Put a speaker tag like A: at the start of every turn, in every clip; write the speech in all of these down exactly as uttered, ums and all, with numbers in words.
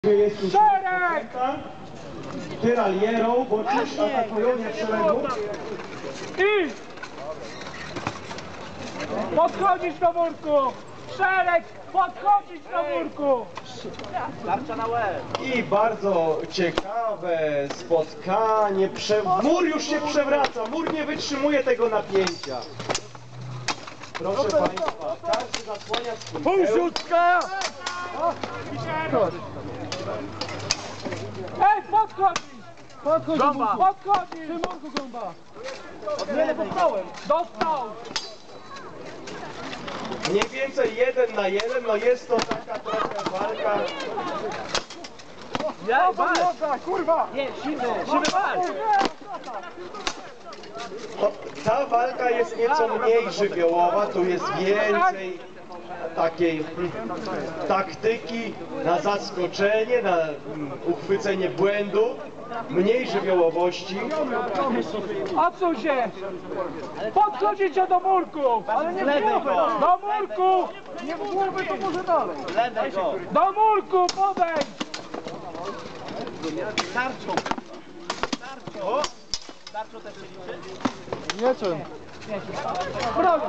A: Jest już tyralierą, bo dziś atakują nie w szeregu.
B: I podchodzić do murku! Szereg! Podchodzić do murku!
C: Tarcza na łeb.
A: I bardzo ciekawe spotkanie. Prze... Mur już się przewraca, mur nie wytrzymuje tego napięcia. Proszę Państwa, każdy zasłania swój
B: Półrzutka! Ej, podchodzić! Podchodź,
C: Gąba.
B: podchodzić! Przy murku gąba! Nie, dostałem! Dostał!
A: Mniej więcej jeden na jeden, no jest to taka trochę walka.
C: Ja, walcz!
B: Kurwa!
C: Nie, siwy, siwy walcz!
A: No, ta walka jest nieco mniej żywiołowa, tu jest więcej takiej mm, taktyki na zaskoczenie, na mm, uchwycenie błędu, mniej żywiołowości.
B: Odsuń się! Podchodzicie do murku! Ale nie
C: Lewej go!
B: do murku! Nie w głowę, to może dalej!
C: Lewej go!
B: Do murku, podejdź!
C: Tarczą! Tarczą! Tarczą też się liczy?
B: Nie czym? Broń!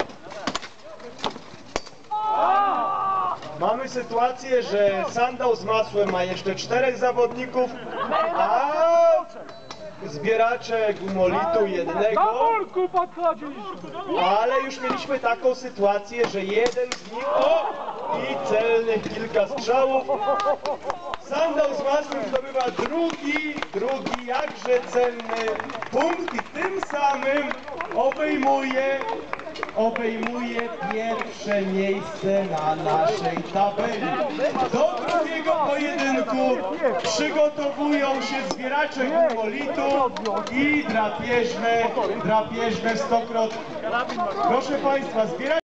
A: Mamy sytuację, że sandał z masłem ma jeszcze czterech zawodników, a zbieracze gumolitu
B: Do
A: jednego.
B: murku podchodzisz!
A: Ale już mieliśmy taką sytuację, że jeden z nich, o, i celnych kilka strzałów. Sandał z masłem zdobywa drugi, drugi jakże cenny punkt i tym samym obejmuje, obejmuje pierwsze miejsce na naszej tabeli. Do drugiego pojedynku przygotowują się zbieracze gumolitu i drapieżne, drapieżne stokrotki. Proszę Państwa, zbieracze